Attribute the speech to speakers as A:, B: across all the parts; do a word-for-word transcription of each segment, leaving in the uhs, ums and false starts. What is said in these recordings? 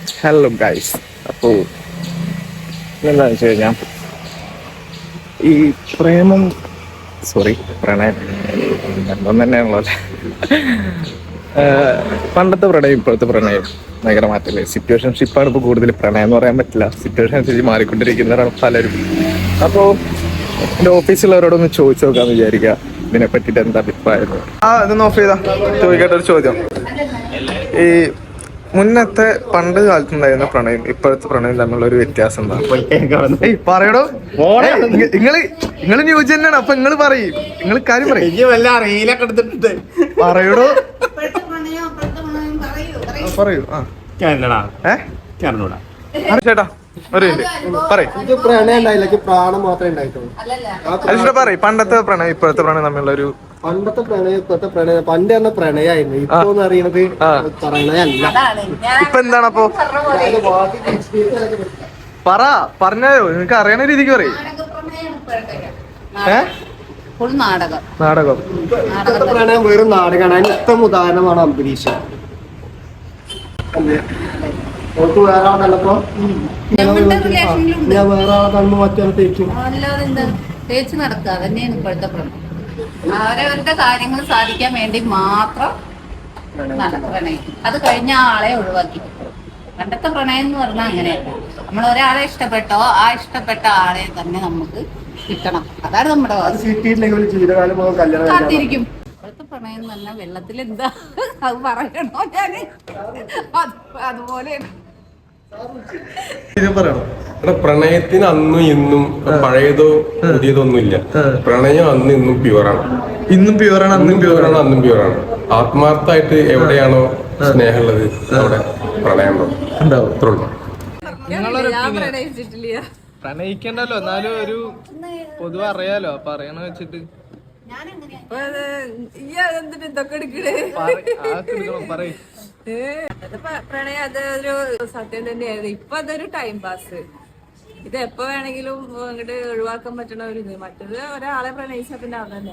A: Hello guys. അപ്പോൾ എന്താണെന്ന് വെച്ച് കഴിഞ്ഞാൽ ഈ പ്രേമം സോറി പ്രണയം രണ്ടും തന്നെയാണല്ലോ അല്ലേ. പണ്ടത്തെ പ്രണയം ഇപ്പോഴത്തെ പ്രണയം ഭയങ്കര മാറ്റല്ലേ. സിറ്റുവേഷൻഷിപ്പാണ് ഇപ്പോൾ കൂടുതൽ. പ്രണയം എന്ന് പറയാൻ പറ്റില്ല, സിറ്റുവേഷൻ അനുസരിച്ച് മാറിക്കൊണ്ടിരിക്കുന്നവരാണ് പലരും. അപ്പോൾ എൻ്റെ ഓഫീസിലുള്ളവരോടൊന്ന് ചോദിച്ചു നോക്കാമെന്ന് വിചാരിക്കുക ഇതിനെ പറ്റിയിട്ട് എന്താ അഭിപ്രായം. ആ ഇതൊന്ന് ഓഫ് ചെയ്താ ചോദിക്കേണ്ട ഒരു ചോദ്യം. ഈ മുന്നത്തെ പണ്ട് കാലത്തുണ്ടായിരുന്ന പ്രണയം ഇപ്പോഴത്തെ പ്രണയം തമ്മിലുള്ള ഒരു വ്യത്യാസം എന്താ? ഏയ് പറയടോ, നിങ്ങള് നിങ്ങള് ന്യൂസ് തന്നെയാണ്. അപ്പൊ നിങ്ങള് പറയും, നിങ്ങൾ കാര്യം പറയും പറയടോ പറയൂ. ആ ചേട്ടാ ഒരു പറയും
B: പ്രാണം മാത്രമേ ഉണ്ടായിട്ടുള്ളൂ.
A: പറയും പണ്ടത്തെ പ്രണയം ഇപ്പോഴത്തെ പ്രണയം തമ്മിലുള്ള ഒരു.
B: പണ്ടത്തെ പ്രണയം ഇപ്പോഴത്തെ പ്രണയം പണ്ട് പറഞ്ഞ പ്രണയമായിരുന്നു. ഇപ്പൊ അറിയണത് പ്രണയമല്ല.
A: ഇപ്പൊ എന്താണ് അപ്പൊ? പറ പറഞ്ഞോ, നിനക്ക് അറിയണ രീതിക്ക് പറയും.
C: നാടകം
A: നാടകം
B: ഇപ്പോഴത്തെ പ്രണയം വെറും നാടകമാണ്. അതിന് ഉത്തമ ഉദാഹരണമാണ് അംബരീഷ്. ഓർക്ക് വേറെ ആളെ കണ്ടപ്പോ ഞാൻ വേറെ ആളെ കാണുമ്പോ മറ്റൊരു തേക്കും.
C: അല്ലാതെ എന്താ തേച്ച് നടക്കുക തന്നെയാണ് ഇപ്പോഴത്തെ പ്രണയം. അവരവരുടെ കാര്യങ്ങൾ സാധിക്കാൻ വേണ്ടി മാത്രം പ്രണയം. അത് കഴിഞ്ഞ ആളെ ഒഴിവാക്കി. പണ്ടത്തെ പ്രണയം എന്ന് പറഞ്ഞാൽ അങ്ങനെയല്ല. നമ്മൾ ഒരാളെ ഇഷ്ടപ്പെട്ടോ ആ ഇഷ്ടപ്പെട്ട ആളെ തന്നെ നമുക്ക് കിട്ടണം. അതാണ് നമ്മുടെ കാത്തിരിക്കും. ഇപ്പോഴത്തെ പ്രണയം എന്ന് പറഞ്ഞാൽ വെള്ളത്തിൽ എന്താ അത് പറയണോ ഞാന് അതുപോലെയാണ്.
D: പ്രണയത്തിന് അന്നും ഇന്നും പഴയതോ പുതിയതോ ഒന്നുമില്ല. പ്രണയം അന്ന് ഇന്നും പ്യുവറാണ്.
A: ഇന്നും പ്യുവറാണ് അന്നും
D: പ്യുവറാണ് അന്നും പ്യുവറാണ്. ആത്മാർത്ഥമായിട്ട് എവിടെയാണോ സ്നേഹമുള്ളത് അവിടെ പ്രണയം ഉണ്ടാവും.
A: പ്രണയിക്കണ്ടല്ലോ, എന്നാലും ഒരു പൊതുവെ അറിയാലോ. അപ്പൊ അറിയണ വെച്ചിട്ട്
E: പ്രണയം അതൊരു സത്യം തന്നെയായിരുന്നു. ഇപ്പൊ അതൊരു ടൈം പാസ്. ഇത് എപ്പോ വേണമെങ്കിലും അങ്ങോട്ട് ഒഴിവാക്കാൻ പറ്റണ ഒരു ഇത്. മറ്റത് ഒരാളെ പ്രണയിച്ച പിന്നെ അതന്നെ.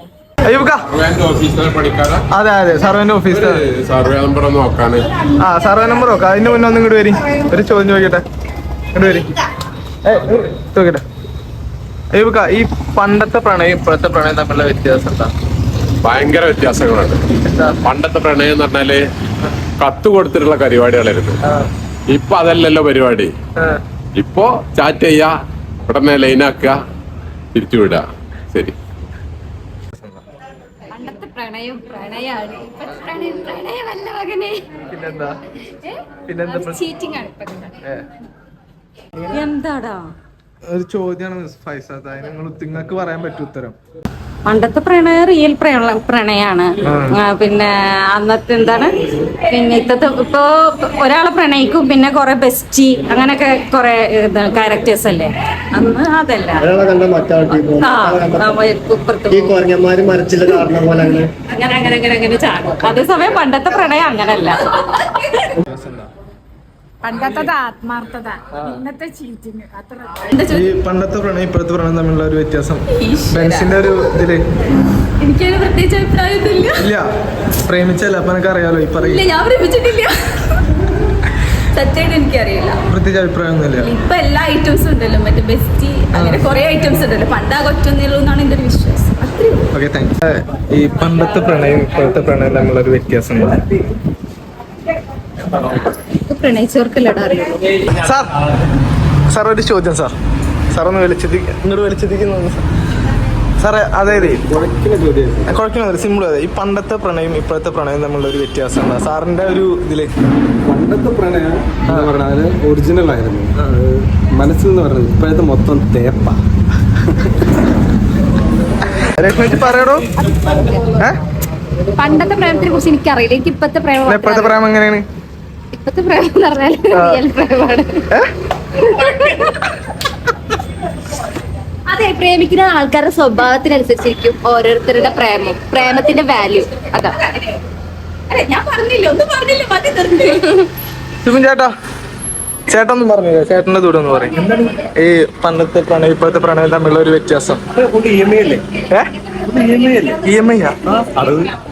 A: അതെ അതെ സർവേ ഓഫീസ്
D: സർവേ നമ്പർ നോക്കാണ്.
A: ആ സർവേ നമ്പർ നോക്കാം. അതിന് മുന്നേ ഒന്നും ഇങ്ങോട്ട് വരി, ഒരു ചോദ്യം ചോദിക്കട്ടെ. ഇങ്ങോട്ട് വരി ചോദിക്കട്ടെ. അയ്യൂക്ക, ഈ പണ്ടത്തെ പ്രണയം ഇപ്പോഴത്തെ പ്രണയം തമ്മിലുള്ള വ്യത്യാസം എന്താ?
D: ഭയങ്കര വ്യത്യാസങ്ങളുണ്ട്. പണ്ടത്തെ പ്രണയം എന്ന് പറഞ്ഞാല് കത്ത് കൊടുത്തിട്ടുള്ള പരിപാടികളായിരുന്നു. ഇപ്പൊ അതല്ലല്ലോ പരിപാടി. ഇപ്പൊ ചാറ്റ് ചെയ്യാ, ഉടനെ ലൈനാക്കുക, തിരിച്ചുവിടുക. ശരി.
C: പണ്ടത്തെ പ്രണയം പ്രണയാണ്. പ്രണയമല്ല മകനെ.
A: പിന്നെന്താ പിന്നെന്താ ചീറ്റിംഗ് ആണ്.
E: എന്താടാ
A: ഒരു ചോദ്യമാണ് മിസ് ഫൈസാദ്. അതിന് നിങ്ങൾ നിങ്ങൾക്ക് പറയാൻ പറ്റും ഉത്തരം.
E: പണ്ടത്തെ പ്രണയം റിയൽ പ്രണയാണ്. പിന്നെ അന്നത്തെ എന്താണ് പിന്നെ ഇത്തത്തെ ഇപ്പൊ ഒരാളെ പ്രണയിക്കും, പിന്നെ കൊറേ ബെസ്റ്റി അങ്ങനൊക്കെ കൊറേ ക്യാരക്ടേഴ്സ് അല്ലേ അന്ന്. അതല്ല അങ്ങനെ അങ്ങനെ അങ്ങനെ അങ്ങനെ ചാടും. അതേസമയം പണ്ടത്തെ പ്രണയം അങ്ങനല്ല.
F: പണ്ടത്തെ ആത്മാർത്ഥത, ഇന്നത്തെ ചീറ്റിങ്.
A: ഈ പണ്ടത്തെ പ്രണയം ഇപ്പോഴത്തെ പ്രണയം തമ്മിലുള്ള ഒരു വ്യത്യാസം ബെൻസിന്റെ ഒരു ഇതില്
E: എനിക്കൊരു പ്രത്യേകിച്ച് അഭിപ്രായമൊന്നുമില്ല.
A: ഇല്ല, പ്രേമിച്ചല്ല അപ്പൊ എനിക്ക് അറിയാലോ. ഈ പറയില്ല,
E: ഞാൻ പ്രേമിച്ചിട്ടില്ല. സത്യമായിട്ട് എനിക്കറിയില്ല.
A: പ്രത്യേകിച്ച് അഭിപ്രായം ഒന്നുമില്ല.
E: ഇപ്പൊ എല്ലാ ഐറ്റംസും ഉണ്ടല്ലോ, മറ്റേ ബെസ്റ്റി അങ്ങനെ കുറെ ഐറ്റംസ് ഉണ്ടല്ലോ. പണ്ടാ കൊറ്റൊന്നുള്ളൂ എന്നാണ് എന്റെ ഒരു വിശ്വാസം.
A: Okay, thanks. ഈ പണ്ടത്തെ പ്രണയം ഇപ്പോഴത്തെ പ്രണയം തമ്മിലുള്ള ഒരു വ്യത്യാസം
E: പ്രണയിച്ചവർക്കല്ലടാ അറിയുള്ളൂ.
A: സാർ സാർ ഒരു ചോദ്യം സാർ. സാർ ഒന്ന് വിളിച്ചെത്തി ഇങ്ങോട്ട് വിളിച്ചെത്തിക്കുന്നു സാറേ. അതായത് കുഴപ്പമില്ല, സിമ്പിൾ. അതെ, ഈ പണ്ടത്തെ പ്രണയം ഇപ്പോഴത്തെ പ്രണയം തമ്മിലുള്ള ഒരു വ്യത്യാസം എന്താ സാറിന്റെ ഒരു ഇതില്?
B: പണ്ടത്തെ പ്രണയം എന്ന് പറഞ്ഞാൽ ഒറിജിനൽ ആയിരുന്നു. മനസ്സിൽ നിന്ന് പറഞ്ഞത് ഇപ്പോഴത്തെ മൊത്തം തേപ്പ.
A: രശ്മിച്ച് പറയടോ.
C: പണ്ടത്തെ പ്രേമത്തിനെ കുറിച്ച് എനിക്കറിയില്ല. എനിക്ക് ഇപ്പത്തെ പ്രേമം
A: ഇപ്പോഴത്തെ പ്രേമം എങ്ങനെയാണ്?
C: ഇപ്പത്തെ പ്രേമം എന്ന് പറഞ്ഞാൽ റിയൽ പ്രേമമാണ്. അതെ, പ്രേമിക്കുന്ന ആൾക്കാരുടെ സ്വഭാവത്തിനനുസരിച്ചിരിക്കും ഓരോരുത്തരുടെ പ്രേമം, പ്രേമത്തിന്റെ വാല്യൂ. അതാ ഞാൻ പറഞ്ഞില്ല, ഒന്നും പറഞ്ഞില്ല. മതി
A: ശിവൻ ചേട്ടാ, ചേട്ടൊന്നും പറഞ്ഞില്ല. ചേട്ടന്റെ ദൂരം ഒന്ന് പറയും. ഈ പണ്ടത്തെ പ്രണയം ഇപ്പോഴത്തെ പ്രണയം തമ്മിലുള്ള ഒരു വ്യത്യാസം.
B: ഇ എം ഐ അല്ലേ?
A: E M I